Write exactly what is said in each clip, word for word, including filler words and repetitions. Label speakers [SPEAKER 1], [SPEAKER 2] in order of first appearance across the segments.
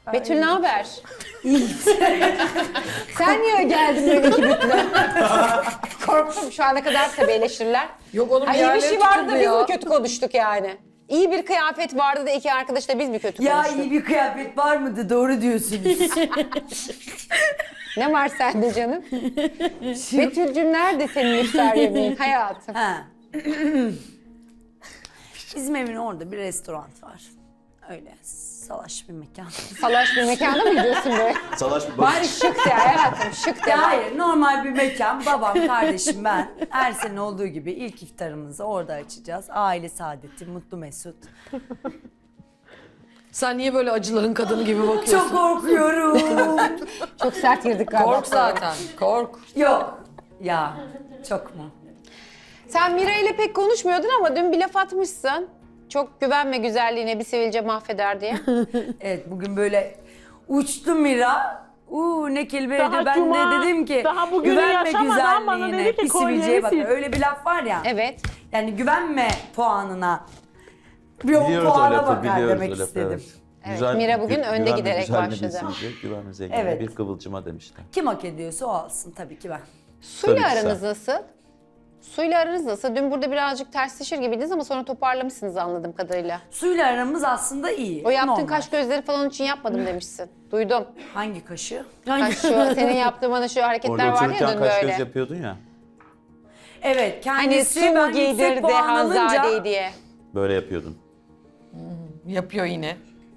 [SPEAKER 1] Betül ne haber? Sen niye geldin böyle kibritli? Korktum şu ana kadar tabii eleştiriler.
[SPEAKER 2] Yok onun
[SPEAKER 1] Ha,
[SPEAKER 2] bir
[SPEAKER 1] iyi bir
[SPEAKER 2] yerleri
[SPEAKER 1] şey vardı da
[SPEAKER 2] tutuldu
[SPEAKER 1] biz
[SPEAKER 2] ya.
[SPEAKER 1] mi kötü konuştuk yani? İyi bir kıyafet vardı da iki arkadaş da biz mi kötü
[SPEAKER 3] Ya
[SPEAKER 1] konuştuk?
[SPEAKER 3] iyi bir kıyafet var mıydı? Doğru diyorsunuz.
[SPEAKER 1] Ne var sende canım? Betül'cüm nerede senin iftar yemeğin hayatım?
[SPEAKER 3] Ha. Bizim evin orada bir restoran var. Öyle salaş bir mekan.
[SPEAKER 1] Salaş bir mekanda mı gidiyorsun böyle?
[SPEAKER 4] Salaş bir
[SPEAKER 1] Bari şık de hayatım şık de.
[SPEAKER 3] Ya hayır, normal bir mekan. Babam, kardeşim, ben. Her sene olduğu gibi ilk iftarımızı orada açacağız. Aile saadeti, mutlu mesut.
[SPEAKER 2] Sen niye böyle acıların kadını gibi bakıyorsun?
[SPEAKER 3] Çok korkuyorum.
[SPEAKER 1] Çok sert girdik galiba.
[SPEAKER 2] Kork zaten, kork.
[SPEAKER 3] Yok. Ya, çok mu?
[SPEAKER 1] Sen Mira ile pek konuşmuyordun ama dün bir laf atmışsın. Çok güvenme güzelliğine bir sivilce mahveder diye.
[SPEAKER 3] Evet, bugün böyle uçtu Mira. Uuu ne kelimeydi.
[SPEAKER 5] Daha
[SPEAKER 3] Ben
[SPEAKER 5] cuma,
[SPEAKER 3] de dedim ki
[SPEAKER 5] daha bugünü
[SPEAKER 3] güvenme
[SPEAKER 5] yaşamadan bana
[SPEAKER 3] güzelliğine,
[SPEAKER 5] dedi ki
[SPEAKER 3] bir sivilceye bak.
[SPEAKER 5] kolyeni sil.
[SPEAKER 3] Öyle bir laf var ya.
[SPEAKER 1] Evet.
[SPEAKER 3] Yani güvenme puanına. Bir o
[SPEAKER 4] Biliyoruz o
[SPEAKER 3] puana
[SPEAKER 4] lafı,
[SPEAKER 3] bakar
[SPEAKER 4] biliyoruz
[SPEAKER 3] demek
[SPEAKER 4] o lafı.
[SPEAKER 3] istedim.
[SPEAKER 1] Evet, Mira bugün
[SPEAKER 4] gü-
[SPEAKER 1] önde
[SPEAKER 4] güvenme
[SPEAKER 1] giderek
[SPEAKER 4] güzelliğine
[SPEAKER 1] başladı.
[SPEAKER 4] besince, Güvenme zenginliğe
[SPEAKER 3] Evet.
[SPEAKER 4] bir kıvılcıma demişler.
[SPEAKER 3] Kim hak ediyorsa o alsın tabii ki ben.
[SPEAKER 1] Suyla
[SPEAKER 4] Tabii ki
[SPEAKER 1] aranız
[SPEAKER 4] sen.
[SPEAKER 1] nasıl? Suyla aranız nasıl? Dün burada birazcık tersleşir gibiydiniz ama sonra toparlamışsınız anladığım kadarıyla.
[SPEAKER 3] Suyla aramız aslında iyi.
[SPEAKER 1] O yaptığın
[SPEAKER 3] normal.
[SPEAKER 1] kaş gözleri falan için yapmadım demişsin. Duydum.
[SPEAKER 3] Hangi kaşı?
[SPEAKER 1] Kaş şu, senin yaptığın bana şu hareketler
[SPEAKER 4] Orada
[SPEAKER 1] vardı ya
[SPEAKER 4] otururken
[SPEAKER 1] dün
[SPEAKER 4] kaş
[SPEAKER 1] böyle.
[SPEAKER 4] göz yapıyordun ya.
[SPEAKER 3] Evet,
[SPEAKER 1] Hani
[SPEAKER 3] kendisi
[SPEAKER 1] su mu
[SPEAKER 3] ben yüksek
[SPEAKER 1] giydirdi
[SPEAKER 3] puan
[SPEAKER 1] Hanzade'yi
[SPEAKER 3] alınca...
[SPEAKER 1] diye.
[SPEAKER 4] Böyle yapıyordun.
[SPEAKER 2] Yapıyor yine.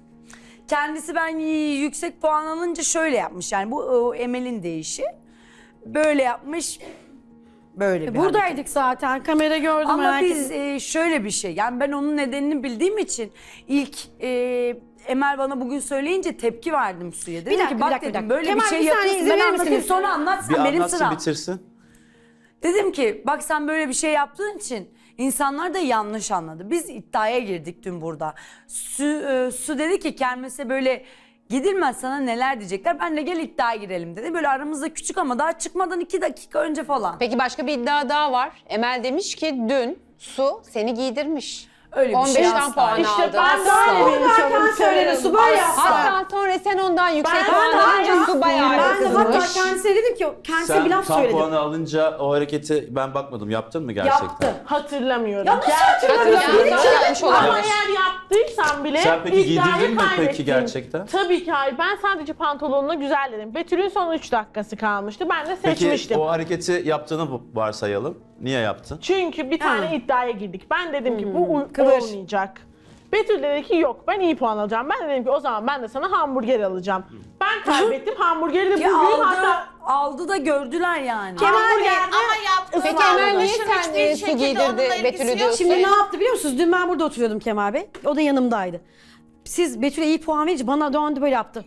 [SPEAKER 3] Kendisi ben yüksek puan alınca şöyle yapmış. Yani bu o, Emel'in değişi. Böyle yapmış. Böyle bir hareket.
[SPEAKER 5] Buradaydık zaten. Kamera gördüm.
[SPEAKER 3] Ama
[SPEAKER 5] merak
[SPEAKER 3] biz
[SPEAKER 5] ettim.
[SPEAKER 3] e, şöyle bir şey. Yani ben onun nedenini bildiğim için ilk e, Emel bana bugün söyleyince tepki verdim Su'ya. Dedim
[SPEAKER 5] dakika,
[SPEAKER 3] ki
[SPEAKER 5] bir
[SPEAKER 3] bak
[SPEAKER 5] dakika, bir
[SPEAKER 3] dedim
[SPEAKER 5] dakika.
[SPEAKER 3] böyle
[SPEAKER 5] Kemal,
[SPEAKER 3] bir şey
[SPEAKER 5] bir saniye
[SPEAKER 3] yapıyorsun.
[SPEAKER 5] izin
[SPEAKER 3] Ben
[SPEAKER 5] verir
[SPEAKER 3] anlatayım
[SPEAKER 5] misiniz?
[SPEAKER 3] sonra anlatsan
[SPEAKER 4] Bir
[SPEAKER 3] benim
[SPEAKER 4] anlatsın
[SPEAKER 3] sıram.
[SPEAKER 4] bitirsin.
[SPEAKER 3] Dedim ki bak sen böyle bir şey yaptığın için insanlar da yanlış anladı. Biz iddiaya girdik dün burada. Su, e, Su dedi ki kermese böyle gidilmez sana neler diyecekler. Ben de gel iddiaya girelim dedi. Böyle aramızda küçük ama daha çıkmadan iki dakika önce falan.
[SPEAKER 1] Peki başka bir iddia daha var. Emel demiş ki dün Su seni giydirmiş.
[SPEAKER 3] Öyle bir
[SPEAKER 1] on beşten
[SPEAKER 3] şey asla.
[SPEAKER 1] puan
[SPEAKER 5] İşte
[SPEAKER 1] aldı.
[SPEAKER 5] ben böyle bir insanım.
[SPEAKER 2] söyledi, su böyle yaptı.
[SPEAKER 1] Hatta sonra sen ondan yüksek
[SPEAKER 5] Ben
[SPEAKER 1] puan
[SPEAKER 5] de
[SPEAKER 1] alınca Su bayağı
[SPEAKER 5] Ben de hatta
[SPEAKER 1] kızmış.
[SPEAKER 5] kendisine dedim ki kendisine
[SPEAKER 4] Sen
[SPEAKER 5] bir laf
[SPEAKER 4] tam
[SPEAKER 5] söyledim.
[SPEAKER 4] puanı alınca o hareketi ben bakmadım. Yaptın mı gerçekten?
[SPEAKER 3] Yaptı.
[SPEAKER 5] Hatırlamıyorum.
[SPEAKER 3] Ya nasıl
[SPEAKER 5] Gerçekten
[SPEAKER 1] hatırlamıyorum?
[SPEAKER 5] hatırlamıyorum.
[SPEAKER 1] Yapmış olamaz.
[SPEAKER 5] Ama eğer yaptıysam bile
[SPEAKER 4] Sen peki
[SPEAKER 5] iddiayı
[SPEAKER 4] giydirdin mi peki
[SPEAKER 5] kaybettim.
[SPEAKER 4] gerçekten?
[SPEAKER 5] Tabii ki hayır. Ben sadece pantolonuna güzel dedim. Betül'ün son üç dakikası kalmıştı. Ben de
[SPEAKER 4] Peki
[SPEAKER 5] seçmiştim.
[SPEAKER 4] o hareketi yaptığını varsayalım. Niye yaptın?
[SPEAKER 5] Çünkü bir tane iddiaya girdik. Ben dedim ki bu uy-
[SPEAKER 1] kıvır.
[SPEAKER 5] olmayacak. Betül dedi ki yok ben iyi puan alacağım. Ben de dedim ki o zaman ben de sana hamburger alacağım. Ben kaybettim hamburgeri de
[SPEAKER 3] Ki
[SPEAKER 5] bugün
[SPEAKER 3] aldı,
[SPEAKER 5] hatta
[SPEAKER 3] aldı da gördüler yani.
[SPEAKER 5] hamburger
[SPEAKER 6] Ama yaptığı
[SPEAKER 1] Peki
[SPEAKER 6] davranışın
[SPEAKER 1] Emel niye
[SPEAKER 6] hiçbir
[SPEAKER 1] sen e, Su
[SPEAKER 6] şekilde
[SPEAKER 1] giydirdi
[SPEAKER 6] onunla ilgisi
[SPEAKER 1] Betül'ü
[SPEAKER 6] yok.
[SPEAKER 1] diyorsun?
[SPEAKER 7] Şimdi ne yaptı biliyor musunuz? Dün ben burada oturuyordum Kemal Bey. O da yanımdaydı. Siz Betül'e iyi puan verince bana döndü böyle yaptı.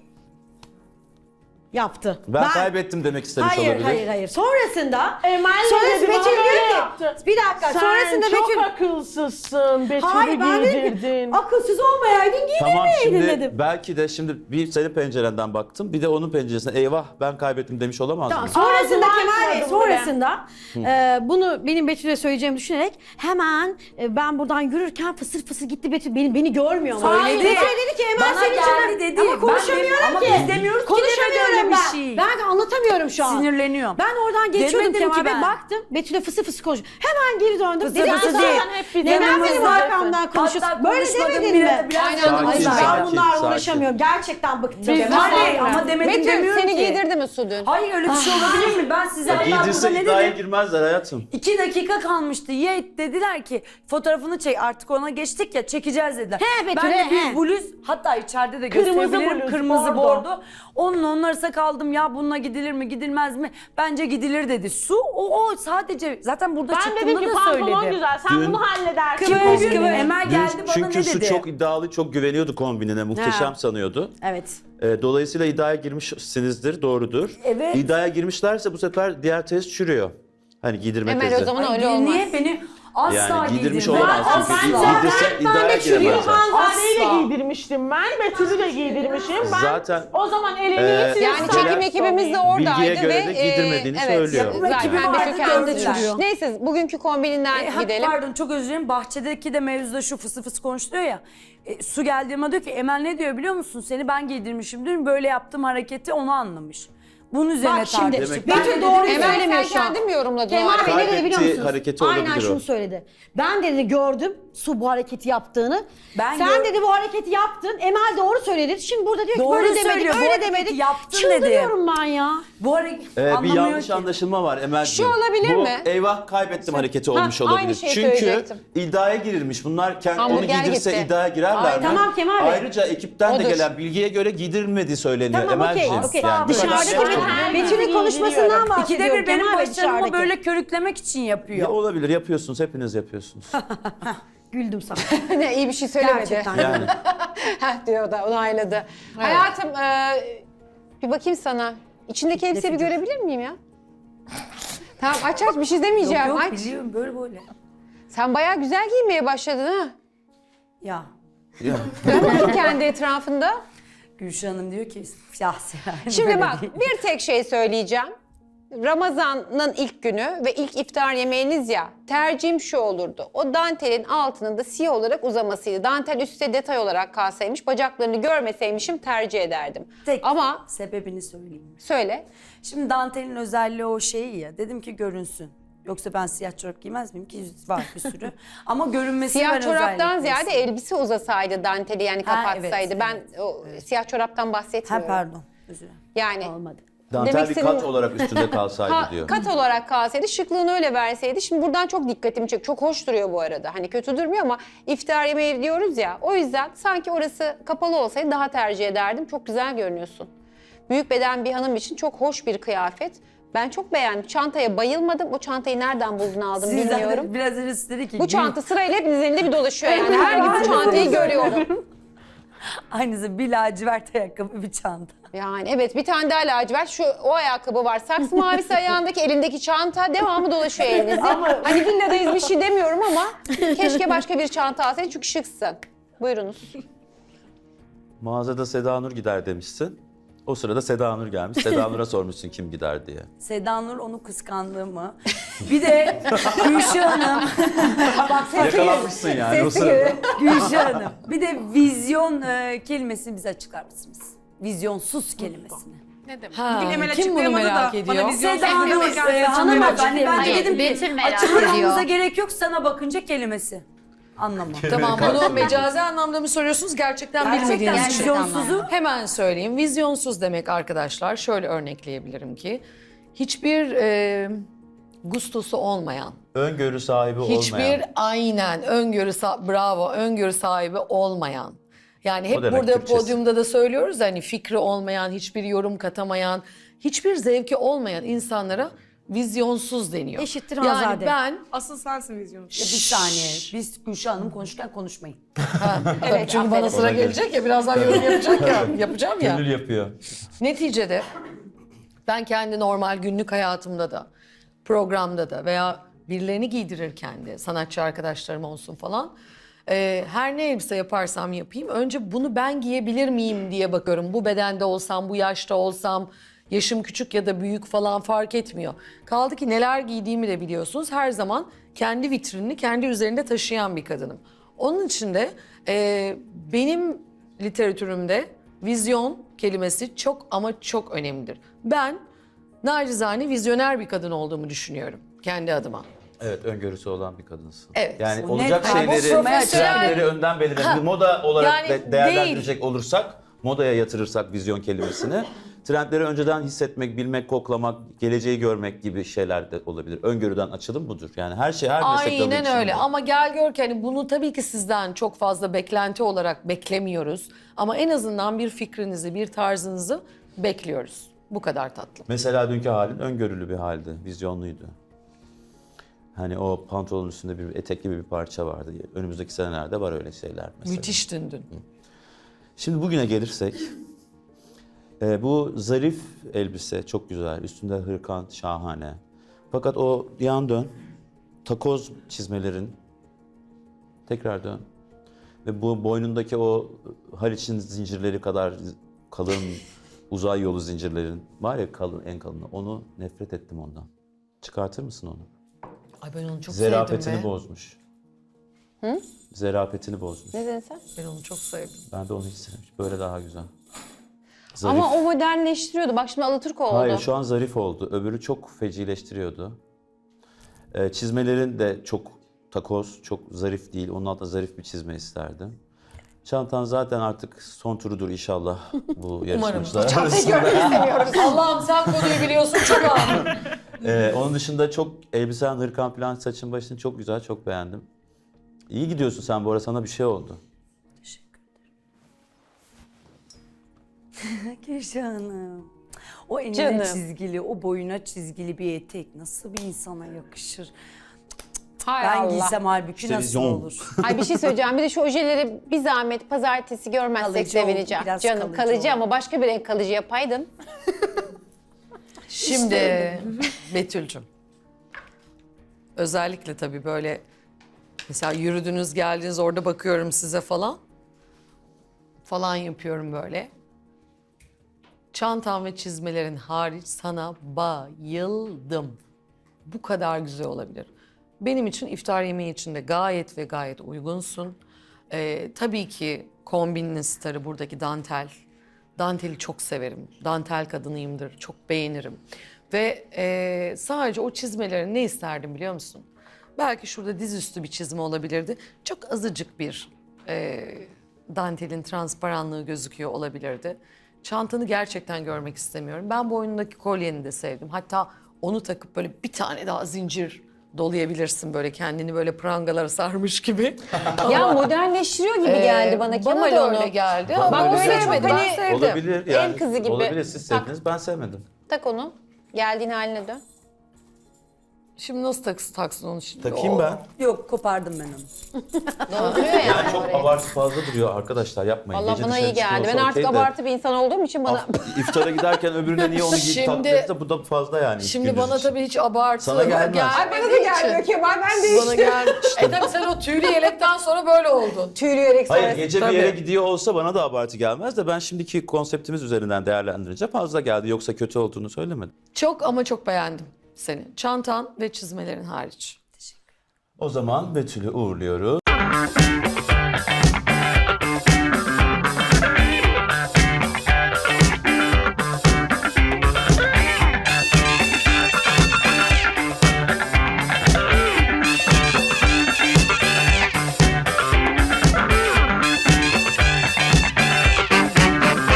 [SPEAKER 7] Yaptı.
[SPEAKER 4] Ben, kaybettim demek istemiş
[SPEAKER 7] Hayır,
[SPEAKER 4] olabilir.
[SPEAKER 7] hayır, hayır. Sonrasında
[SPEAKER 5] Emel
[SPEAKER 7] sonrası
[SPEAKER 5] dedi, bana
[SPEAKER 7] Betül
[SPEAKER 5] böyle
[SPEAKER 7] diyor ki,
[SPEAKER 5] yaptı.
[SPEAKER 7] bir dakika,
[SPEAKER 5] Sen
[SPEAKER 7] sonrasında
[SPEAKER 5] çok
[SPEAKER 7] Betül...
[SPEAKER 5] akılsızsın. Betül'ü
[SPEAKER 7] Hayır, ben dedim ki,
[SPEAKER 5] giydirdin.
[SPEAKER 7] akılsız olmayaydın
[SPEAKER 4] Tamam
[SPEAKER 7] giydirmeyeydin
[SPEAKER 4] şimdi
[SPEAKER 7] dedim.
[SPEAKER 4] belki de şimdi bir senin pencerenden baktım bir de onun penceresinden eyvah ben kaybettim demiş olamaz
[SPEAKER 7] Tamam,
[SPEAKER 4] mı?
[SPEAKER 7] sonrasında
[SPEAKER 5] Ağzını
[SPEAKER 7] Kemal Bey,
[SPEAKER 5] açmadım
[SPEAKER 7] sonrasında e, bunu benim Betül'e söyleyeceğimi düşünerek hemen e, ben buradan yürürken fısır fısır gitti Betül beni beni görmüyor mu?
[SPEAKER 3] Söyledi.
[SPEAKER 7] Betül dedi ki Emel
[SPEAKER 3] Bana
[SPEAKER 7] senin
[SPEAKER 3] geldi
[SPEAKER 7] için
[SPEAKER 3] dedi.
[SPEAKER 7] ama
[SPEAKER 3] Ben
[SPEAKER 7] konuşamıyorum
[SPEAKER 3] dedim, ama
[SPEAKER 7] ki.
[SPEAKER 3] biz demiyoruz ki
[SPEAKER 7] Konuşamıyorum
[SPEAKER 3] demedi öyle bir
[SPEAKER 7] ben.
[SPEAKER 3] şey.
[SPEAKER 7] Ben de anlatamıyorum şu an.
[SPEAKER 3] Sinirleniyorum.
[SPEAKER 7] Ben oradan geçiyordum
[SPEAKER 3] Demedim ki
[SPEAKER 7] Kemal Bey
[SPEAKER 3] ben.
[SPEAKER 7] baktım Betül'e fısır fısır konuşuyor. Hemen geri döndüm.
[SPEAKER 3] Fısır
[SPEAKER 7] Dedim
[SPEAKER 3] fısır
[SPEAKER 7] ki,
[SPEAKER 3] değil.
[SPEAKER 5] Hep bize
[SPEAKER 7] neden benim
[SPEAKER 5] yanımızda.
[SPEAKER 7] arkamdan konuşuyorsun?
[SPEAKER 3] Hatta
[SPEAKER 7] Böyle
[SPEAKER 3] konuşmadım,
[SPEAKER 7] demedin
[SPEAKER 3] bir
[SPEAKER 7] mi?
[SPEAKER 3] de biraz
[SPEAKER 1] Aynen,
[SPEAKER 3] sakin,
[SPEAKER 1] sakin,
[SPEAKER 7] Ben
[SPEAKER 4] sakin,
[SPEAKER 7] bunlarla
[SPEAKER 4] sakin.
[SPEAKER 7] uğraşamıyorum. Gerçekten bıktım.
[SPEAKER 5] Biz
[SPEAKER 7] Kemal
[SPEAKER 3] Hayır
[SPEAKER 7] Bey.
[SPEAKER 3] ama demedim
[SPEAKER 1] Betül
[SPEAKER 3] demiyorum
[SPEAKER 1] seni
[SPEAKER 3] ki.
[SPEAKER 1] giydirdi mi Su dün?
[SPEAKER 3] Hayır öyle bir şey olabilir mi? Ben size
[SPEAKER 4] Ya
[SPEAKER 3] hatta
[SPEAKER 4] giydirse
[SPEAKER 3] burada ne
[SPEAKER 4] iddiaya
[SPEAKER 3] dedim?
[SPEAKER 4] girmezler hayatım.
[SPEAKER 3] İki dakika kalmıştı. Ye dediler ki fotoğrafını çek. Artık ona geçtik ya çekeceğiz dediler.
[SPEAKER 7] He Betül,
[SPEAKER 3] ben de
[SPEAKER 7] he,
[SPEAKER 3] bir
[SPEAKER 7] he.
[SPEAKER 3] bluz hatta içeride de
[SPEAKER 5] Kırmızı
[SPEAKER 3] gösterebilirim.
[SPEAKER 5] bluz,
[SPEAKER 3] Kırmızı
[SPEAKER 5] bordo.
[SPEAKER 3] bordo. Onunla onun arasında kaldım ya bununla gidilir mi gidilmez mi? Bence gidilir dedi. Su o, o sadece zaten burada
[SPEAKER 5] Ben
[SPEAKER 3] çıktığında
[SPEAKER 5] dedim ki
[SPEAKER 3] da
[SPEAKER 5] pantolon
[SPEAKER 3] söyledi.
[SPEAKER 5] güzel sen
[SPEAKER 4] Dün-
[SPEAKER 5] bunu halledersin.
[SPEAKER 3] Kıvır
[SPEAKER 5] Bugün-
[SPEAKER 3] kıvır. Emel
[SPEAKER 4] Dün
[SPEAKER 3] geldi bana
[SPEAKER 4] çünkü
[SPEAKER 3] ne
[SPEAKER 4] Su
[SPEAKER 3] dedi?
[SPEAKER 4] çok iddialı, çok güveniyordu kombinine, muhteşem
[SPEAKER 7] Ha.
[SPEAKER 4] sanıyordu.
[SPEAKER 7] Evet.
[SPEAKER 4] Ee, dolayısıyla iddiaya girmişsinizdir, doğrudur.
[SPEAKER 3] Evet.
[SPEAKER 4] İddiaya girmişlerse bu sefer diğer test çürüyor. Hani giydirme
[SPEAKER 1] Emel
[SPEAKER 4] tezi.
[SPEAKER 1] o zaman
[SPEAKER 3] Ay,
[SPEAKER 1] öyle olmaz.
[SPEAKER 3] niye beni Asla
[SPEAKER 4] Yani giydirmiş
[SPEAKER 3] giydirmem.
[SPEAKER 4] olamaz çünkü
[SPEAKER 3] Asla.
[SPEAKER 4] giydirse iddiaya giremezler.
[SPEAKER 5] Hanzade'yi de
[SPEAKER 3] Asla.
[SPEAKER 5] giydirmiştim ben. Betül'ü de giydirmişim. Ben
[SPEAKER 4] Zaten,
[SPEAKER 5] o zaman elini
[SPEAKER 4] e,
[SPEAKER 5] size
[SPEAKER 1] Yani
[SPEAKER 4] Bilgiye
[SPEAKER 1] çekim ekibimiz de oradaydı
[SPEAKER 4] Bilgiye göre
[SPEAKER 1] ve
[SPEAKER 4] de giydirmediğini
[SPEAKER 1] e, evet,
[SPEAKER 4] söylüyor.
[SPEAKER 3] Yapım ekibi
[SPEAKER 1] Zaten
[SPEAKER 3] vardı,
[SPEAKER 1] Betül kendisi
[SPEAKER 3] gördüler.
[SPEAKER 1] düşürüyor. Neyse bugünkü kombininden
[SPEAKER 3] E, ha,
[SPEAKER 1] gidelim.
[SPEAKER 3] Pardon çok özür dilerim. Bahçedeki de mevzuda şu fısı fısı konuşuluyor ya. E, su geldiğime diyor ki Emel ne diyor biliyor musun? Seni ben giydirmişim dün böyle yaptığım hareketi onu anlamış. Bunun üzerine
[SPEAKER 7] Bak şimdi
[SPEAKER 3] tartıştık.
[SPEAKER 4] Demek
[SPEAKER 3] Ben
[SPEAKER 4] ki-
[SPEAKER 3] de
[SPEAKER 7] Betül doğru
[SPEAKER 3] dedim ki-
[SPEAKER 1] Emel
[SPEAKER 7] söylemiyor
[SPEAKER 1] sen
[SPEAKER 7] şu an.
[SPEAKER 1] kendin mi yorumladın o
[SPEAKER 7] Kemal Bey
[SPEAKER 1] hareketi?
[SPEAKER 7] ne dedi biliyor
[SPEAKER 4] Kaybettiği
[SPEAKER 7] musunuz?
[SPEAKER 4] hareketi
[SPEAKER 7] Aynen
[SPEAKER 4] olabilir
[SPEAKER 7] şunu
[SPEAKER 4] o.
[SPEAKER 7] söyledi. Ben dedi gördüm su bu hareketi yaptığını.
[SPEAKER 3] Ben
[SPEAKER 7] Sen
[SPEAKER 3] gör-
[SPEAKER 7] dedi bu hareketi yaptın. Emel doğru söyledi. Şimdi burada diyor ki
[SPEAKER 3] Doğru
[SPEAKER 7] böyle demedik,
[SPEAKER 3] söylüyor, bu
[SPEAKER 7] öyle
[SPEAKER 3] hareketi
[SPEAKER 7] demedik.
[SPEAKER 3] yaptın
[SPEAKER 7] Çıldırıyorum ben ya.
[SPEAKER 3] Bu hareket
[SPEAKER 4] Ee, bir
[SPEAKER 3] anlamıyor
[SPEAKER 4] yanlış
[SPEAKER 3] ki.
[SPEAKER 4] anlaşılma var Emel'ciğim.
[SPEAKER 1] Şu olabilir
[SPEAKER 4] Bu
[SPEAKER 1] mi?
[SPEAKER 4] eyvah kaybettim hareketi
[SPEAKER 1] Ha,
[SPEAKER 4] olmuş
[SPEAKER 1] aynı
[SPEAKER 4] olabilir.
[SPEAKER 1] şeyi
[SPEAKER 4] Çünkü
[SPEAKER 1] söyleyecektim.
[SPEAKER 4] iddiaya girilmiş. Bunlar kendi onu
[SPEAKER 1] Hamburger
[SPEAKER 4] giydirse
[SPEAKER 1] gitti.
[SPEAKER 4] iddiaya girerler
[SPEAKER 7] Ay,
[SPEAKER 4] mi?
[SPEAKER 7] tamam Kemal Bey.
[SPEAKER 4] Ayrıca ekipten de
[SPEAKER 1] Odur.
[SPEAKER 4] gelen bilgiye göre giydirilmediği söyleniyor
[SPEAKER 7] Tamam okey.
[SPEAKER 4] Emel'ciğim.
[SPEAKER 7] okey.
[SPEAKER 4] Yani bu kadar
[SPEAKER 7] Dışarıdaki
[SPEAKER 4] şey
[SPEAKER 7] Betül-
[SPEAKER 4] olmaz.
[SPEAKER 7] Betül'ün konuşmasından bahsediyorum.
[SPEAKER 3] İkide bir benim
[SPEAKER 7] Kemal Bey
[SPEAKER 3] başarımı
[SPEAKER 7] dışarıdaki.
[SPEAKER 3] böyle körüklemek için yapıyor.
[SPEAKER 4] Ya olabilir, yapıyorsunuz, hepiniz yapıyorsunuz.
[SPEAKER 7] Güldüm sana.
[SPEAKER 1] Ne iyi bir şey söylemedi.
[SPEAKER 7] Gerçekten.
[SPEAKER 4] Yani
[SPEAKER 1] Heh diyor da onayladı. Hayatım e, bir bakayım sana. İçindeki elbiseyi bir görebilir miyim ya? Tamam aç aç bir şey demeyeceğim.
[SPEAKER 3] Yok yok
[SPEAKER 1] aç.
[SPEAKER 3] biliyorum böyle böyle.
[SPEAKER 1] Sen bayağı güzel giymeye başladın ha.
[SPEAKER 3] Ya
[SPEAKER 4] ya.
[SPEAKER 1] Dön kendi etrafında.
[SPEAKER 3] Gülşah Hanım diyor ki ya Seren
[SPEAKER 1] Şimdi
[SPEAKER 3] böyle
[SPEAKER 1] bak
[SPEAKER 3] değil."
[SPEAKER 1] bir tek şey söyleyeceğim. Ramazan'ın ilk günü ve ilk iftar yemeğiniz ya, tercihim şu olurdu. O dantelin altının da siyah olarak uzamasıydı. Dantel üstte detay olarak kalsaymış, bacaklarını görmeseymişim tercih ederdim.
[SPEAKER 3] Tek
[SPEAKER 1] Ama
[SPEAKER 3] sebebini söyleyeyim.
[SPEAKER 1] söyle.
[SPEAKER 3] Şimdi dantelin özelliği o şeyi ya. Dedim ki görünsün. Yoksa ben siyah çorap giymez miyim ki var bir sürü. Ama görünmesi
[SPEAKER 1] Siyah
[SPEAKER 3] ben
[SPEAKER 1] çoraptan
[SPEAKER 3] özellikle
[SPEAKER 1] ziyade
[SPEAKER 3] istedim.
[SPEAKER 1] elbise uzasaydı danteli yani
[SPEAKER 3] Ha,
[SPEAKER 1] kapatsaydı.
[SPEAKER 3] evet,
[SPEAKER 1] ben o siyah çoraptan
[SPEAKER 3] Ha
[SPEAKER 1] bahsetmiyorum.
[SPEAKER 3] pardon. Özür dilerim.
[SPEAKER 1] Yani
[SPEAKER 7] Olmadı.
[SPEAKER 4] Dantel
[SPEAKER 1] Demek
[SPEAKER 4] bir kat
[SPEAKER 1] istediğim-
[SPEAKER 4] olarak üstünde kalsaydı
[SPEAKER 1] Ha,
[SPEAKER 4] diyor.
[SPEAKER 1] kat olarak kalsaydı, şıklığını öyle verseydi. Şimdi buradan çok dikkatimi çek. Çok hoş duruyor bu arada. Hani kötü durmuyor ama iftar yemeği diyoruz ya. O yüzden sanki orası kapalı olsaydı daha tercih ederdim. Çok güzel görünüyorsun. Büyük beden bir hanım için çok hoş bir kıyafet. Ben çok beğendim. Çantaya bayılmadım. O çantayı nereden buldun aldın
[SPEAKER 3] Sizden
[SPEAKER 1] bilmiyorum.
[SPEAKER 3] de biraz önce siz dedi ki
[SPEAKER 1] Bu çanta sırayla hepinizin elinde bir dolaşıyor yani. Her gün bu çantayı görüyorum.
[SPEAKER 3] aynısı bir lacivert ayakkabı bir çanta.
[SPEAKER 1] Yani evet bir tane daha lacivert. Şu o ayakkabı var. Saksı mavisi ayağındaki elindeki çanta devamı dolaşıyor elinizde. Hani villadayız bir şey demiyorum ama keşke başka bir çanta alsaydın çünkü şıksın. Buyurunuz.
[SPEAKER 4] Mağazada Seda Nur gider demişsin. O sırada Seda Nur gelmiş. Seda Nur'a sormuşsun kim gider diye.
[SPEAKER 3] Seda Nur onu kıskandığımı. Bir de Gülşah Hanım. Bak
[SPEAKER 4] Yakalanmışsın yani o
[SPEAKER 1] Sesi
[SPEAKER 4] sırada.
[SPEAKER 1] gibi.
[SPEAKER 3] Gülşah Hanım. Bir de vizyon e, kelimesini bize açıklar mısınız? Vizyonsuz kelimesini.
[SPEAKER 2] Ha,
[SPEAKER 6] Bugün Emel
[SPEAKER 2] kim bunu
[SPEAKER 6] açıklayamadı
[SPEAKER 2] merak
[SPEAKER 6] da
[SPEAKER 2] ediyor?
[SPEAKER 6] bana vizyon
[SPEAKER 3] Seda Hanım,
[SPEAKER 6] kelimesi
[SPEAKER 3] e, hanım
[SPEAKER 6] açıklayamadı.
[SPEAKER 3] ben, ben de
[SPEAKER 8] Hayır,
[SPEAKER 3] dedim
[SPEAKER 8] Betül
[SPEAKER 3] ki
[SPEAKER 8] merak
[SPEAKER 3] açıklamamıza
[SPEAKER 8] ediyor.
[SPEAKER 3] gerek yok sana bakınca kelimesi. Anlamam.
[SPEAKER 2] Tamam bunu mecazi anlamda mı soruyorsunuz gerçekten,
[SPEAKER 3] Gerçekten
[SPEAKER 2] bilmediğiniz için?
[SPEAKER 3] vizyonsuzu
[SPEAKER 2] Hemen söyleyeyim. Vizyonsuz demek arkadaşlar şöyle örnekleyebilirim ki hiçbir e, gustosu olmayan,
[SPEAKER 4] Öngörü sahibi
[SPEAKER 2] hiçbir
[SPEAKER 4] olmayan.
[SPEAKER 2] aynen öngörü sa- bravo öngörü sahibi olmayan. Yani hep
[SPEAKER 4] O demek
[SPEAKER 2] burada
[SPEAKER 4] Türkçesi.
[SPEAKER 2] podyumda da söylüyoruz hani fikri olmayan, hiçbir yorum katamayan, hiçbir zevki olmayan insanlara vizyonsuz deniyor.
[SPEAKER 7] Eşittir
[SPEAKER 2] Yani
[SPEAKER 7] Hanzade.
[SPEAKER 2] ben
[SPEAKER 6] Asıl sensin vizyonu.
[SPEAKER 3] bir saniye. Biz Gülşah Hanım konuşurken konuşmayın.
[SPEAKER 2] evet, çünkü bana sıra
[SPEAKER 4] Ona göre.
[SPEAKER 2] gelecek ya birazdan yorum yapacak ya yapacağım ya.
[SPEAKER 4] Gönül yapıyor.
[SPEAKER 2] Neticede ben kendi normal günlük hayatımda da, programda da veya birilerini giydirirken de sanatçı arkadaşlarım olsun falan e, her ne elbise yaparsam yapayım önce bunu ben giyebilir miyim diye bakıyorum. Bu bedende olsam, bu yaşta olsam, yaşım küçük ya da büyük falan fark etmiyor. Kaldı ki neler giydiğimi de biliyorsunuz. Her zaman kendi vitrinini kendi üzerinde taşıyan bir kadınım. Onun için de e, benim literatürümde vizyon kelimesi çok ama çok önemlidir. Ben nacizane vizyoner bir kadın olduğumu düşünüyorum kendi adıma.
[SPEAKER 4] Evet, öngörüsü olan bir kadınsın.
[SPEAKER 2] Evet.
[SPEAKER 4] Yani
[SPEAKER 3] Bu
[SPEAKER 4] olacak
[SPEAKER 3] net-
[SPEAKER 4] şeyleri,
[SPEAKER 2] Bu profesyonel-
[SPEAKER 4] trendleri önden belirleyen bir moda olarak
[SPEAKER 2] yani
[SPEAKER 4] de- değerlendirecek olursak, modaya yatırırsak vizyon kelimesini, trendleri önceden hissetmek, bilmek, koklamak, geleceği görmek gibi şeyler de olabilir. Öngörüden açılım budur. Yani her şey, her meslek dalı
[SPEAKER 2] Aynen
[SPEAKER 4] için
[SPEAKER 2] öyle
[SPEAKER 4] bu.
[SPEAKER 2] ama gel gör ki hani bunu tabii ki sizden çok fazla beklenti olarak beklemiyoruz. Ama en azından bir fikrinizi, bir tarzınızı bekliyoruz. Bu kadar tatlı.
[SPEAKER 4] Mesela dünkü halin öngörülü bir haldi, vizyonluydu. Hani o pantolonun üstünde bir etek gibi bir parça vardı. Önümüzdeki senelerde var öyle şeyler mesela.
[SPEAKER 2] Müthiş dün.
[SPEAKER 4] Şimdi bugüne gelirsek, e, bu zarif elbise çok güzel, üstünde hırkan şahane. Fakat o yan dön, takoz çizmelerin, tekrar dön. Ve bu boynundaki o Haliç'in zincirleri kadar kalın uzay yolu zincirlerin var ya kalın, en kalını. Onu nefret ettim ondan. Çıkartır mısın onu?
[SPEAKER 2] Ay ben onu çok
[SPEAKER 4] Zerafetini
[SPEAKER 2] sevdim be.
[SPEAKER 4] bozmuş. Hı? Zerafetini bozmuş.
[SPEAKER 1] Ne dedin sen?
[SPEAKER 2] Ben onu çok sevdim.
[SPEAKER 4] Ben de onu hiç sevmedim. Böyle daha güzel. Zarif.
[SPEAKER 1] Ama o modernleştiriyordu. Bak şimdi Alaturka oldu.
[SPEAKER 4] Hayır, şu an zarif oldu. Öbürü çok fecileştiriyordu. Ee, çizmelerin de çok takoz, çok zarif değil. Onun altında zarif bir çizme isterdim. Çantan zaten artık son turudur inşallah bu yarışmacılar arasında.
[SPEAKER 2] Allah'ım sen konuyu biliyorsun çok ağır.
[SPEAKER 4] Ee, onun dışında çok elbisen, hırkan falan, saçın başın çok güzel, çok beğendim. İyi gidiyorsun sen bu arada, sana bir şey oldu.
[SPEAKER 3] Gülşah'ım. O enine
[SPEAKER 1] Canım.
[SPEAKER 3] çizgili, o boyuna çizgili bir etek nasıl bir insana yakışır?
[SPEAKER 1] Hay
[SPEAKER 3] Ben
[SPEAKER 1] Allah.
[SPEAKER 3] giysem halbuki
[SPEAKER 4] İşte
[SPEAKER 3] nasıl
[SPEAKER 4] vizyon.
[SPEAKER 3] olur?
[SPEAKER 1] Ay bir şey söyleyeceğim. Bir de şu ojeleri bir zahmet pazartesi görmezsek
[SPEAKER 3] Kalıcı oldu,
[SPEAKER 1] sevineceğim.
[SPEAKER 3] biraz
[SPEAKER 1] Canım
[SPEAKER 3] kalıcı
[SPEAKER 1] kalıcı,
[SPEAKER 3] oldu.
[SPEAKER 1] ama başka bir renk kalıcı yapaydın.
[SPEAKER 2] Şimdi Betül'cüm. Özellikle tabii böyle mesela yürüdünüz geldiniz orada bakıyorum size falan. Falan yapıyorum böyle. Çantan ve çizmelerin hariç sana bayıldım. Bu kadar güzel olabilir. Benim için iftar yemeği için de gayet ve gayet uygunsun. Ee, tabii ki kombinin starı buradaki dantel. Danteli çok severim. Dantel kadınıyımdır. Çok beğenirim. Ve e, sadece o çizmelerin ne isterdim biliyor musun? Belki şurada dizüstü bir çizme olabilirdi. Çok azıcık bir e, dantelin transparanlığı gözüküyor olabilirdi. Çantanı gerçekten görmek istemiyorum. Ben boynundaki kolyeni de sevdim. Hatta onu takıp böyle bir tane daha zincir dolayabilirsin, böyle kendini böyle prangalara sarmış gibi.
[SPEAKER 1] Ya modernleştiriyor gibi geldi bana
[SPEAKER 2] Bana
[SPEAKER 1] Kemal
[SPEAKER 2] da
[SPEAKER 1] onu.
[SPEAKER 2] öyle geldi.
[SPEAKER 4] Bana
[SPEAKER 2] Ama
[SPEAKER 4] öyle
[SPEAKER 2] böyle
[SPEAKER 4] geldi.
[SPEAKER 2] seçmedim. Ben
[SPEAKER 1] Hani-
[SPEAKER 2] sevdim.
[SPEAKER 4] Olabilir yani.
[SPEAKER 1] El kızı gibi.
[SPEAKER 4] Olabilir, siz
[SPEAKER 1] Tak.
[SPEAKER 4] sevdiniz, ben sevmedim.
[SPEAKER 1] Tak onu. Geldiğin haline dön.
[SPEAKER 2] Şimdi nasıl taksın, taksın onu şimdi?
[SPEAKER 4] Takayım
[SPEAKER 2] Oo.
[SPEAKER 4] ben.
[SPEAKER 3] Yok kopardım ben onu.
[SPEAKER 1] Dolduruyor yani.
[SPEAKER 4] Yani çok
[SPEAKER 1] orayı.
[SPEAKER 4] abartı fazla duruyor arkadaşlar, yapmayın.
[SPEAKER 1] Allah
[SPEAKER 4] Gece
[SPEAKER 1] bana
[SPEAKER 4] dışarı
[SPEAKER 1] iyi geldi. Ben
[SPEAKER 4] çıkıyorsa
[SPEAKER 1] artık
[SPEAKER 4] okey de,
[SPEAKER 1] abartı bir insan olduğum için bana...
[SPEAKER 4] af- İftara giderken öbürüne niye onu giyip
[SPEAKER 2] Şimdi-
[SPEAKER 4] taktınız da bu da fazla yani. ilk
[SPEAKER 2] Şimdi
[SPEAKER 4] gündüz
[SPEAKER 2] bana
[SPEAKER 4] için.
[SPEAKER 2] tabii hiç abartı
[SPEAKER 4] Sana gelmez.
[SPEAKER 2] gelmediği
[SPEAKER 1] Bana da gelmiyor
[SPEAKER 2] için.
[SPEAKER 1] Kemal, ben değiştim.
[SPEAKER 2] Bana gelmişti. E tabii sen o tüylü yelekten sonra böyle oldun.
[SPEAKER 1] Tüylü yelek
[SPEAKER 4] Hayır,
[SPEAKER 1] sonrası.
[SPEAKER 4] gece
[SPEAKER 2] Tabii.
[SPEAKER 4] bir yere gidiyor olsa bana da abartı gelmez de ben şimdiki konseptimiz üzerinden değerlendirince fazla geldi. Yoksa kötü olduğunu söylemedim.
[SPEAKER 2] Çok ama çok beğendim seni. Çantan ve çizmelerin hariç.
[SPEAKER 4] O zaman Betül'ü uğurluyoruz.